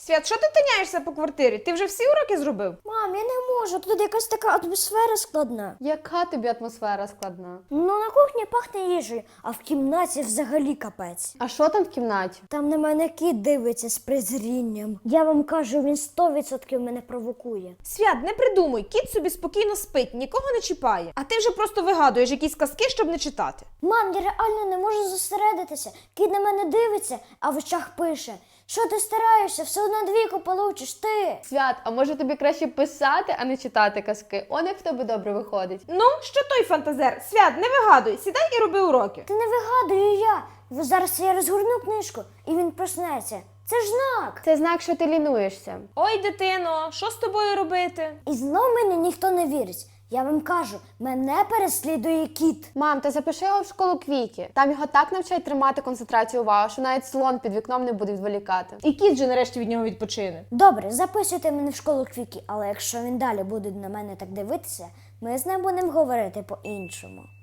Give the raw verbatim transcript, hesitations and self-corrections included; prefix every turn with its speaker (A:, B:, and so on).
A: Свят, що ти тиняєшся по квартирі? Ти вже всі уроки зробив?
B: Мам, я не можу, тут якась така атмосфера складна.
C: Яка тобі атмосфера складна?
B: Ну, на кухні пахне їжею, а в кімнаті взагалі капець.
C: А що там в кімнаті?
B: Там на мене кіт дивиться з презрінням. Я вам кажу, він сто відсотків мене провокує.
A: Свят, не придумуй, кіт собі спокійно спить, нікого не чіпає. А ти вже просто вигадуєш якісь казки, щоб не читати.
B: Мам, я реально не можу зосередитися. Кіт на мене дивиться, а в очах пише: що ти стараєшся, все одно двійку получиш ти.
C: Свят, а може тобі краще писати, а не читати казки? Он як в тебе добре виходить.
A: Ну, що той фантазер? Свят, не вигадуй, сідай і роби уроки.
B: Ти не вигадую я. Бо зараз я розгорну книжку, і він проснеться. Це ж знак.
C: Це знак, що ти лінуєшся.
A: Ой, дитино, що з тобою робити?
B: І знов мені ніхто не вірить. Я вам кажу, мене переслідує кіт.
C: Мам, ти запиши його в школу Квікі. Там його так навчають тримати концентрацію уваги, що навіть слон під вікном не буде відволікати.
A: І кіт же нарешті від нього відпочине.
B: Добре, записуйте мене в школу Квікі, але якщо він далі буде на мене так дивитися, ми з ним будемо говорити по-іншому.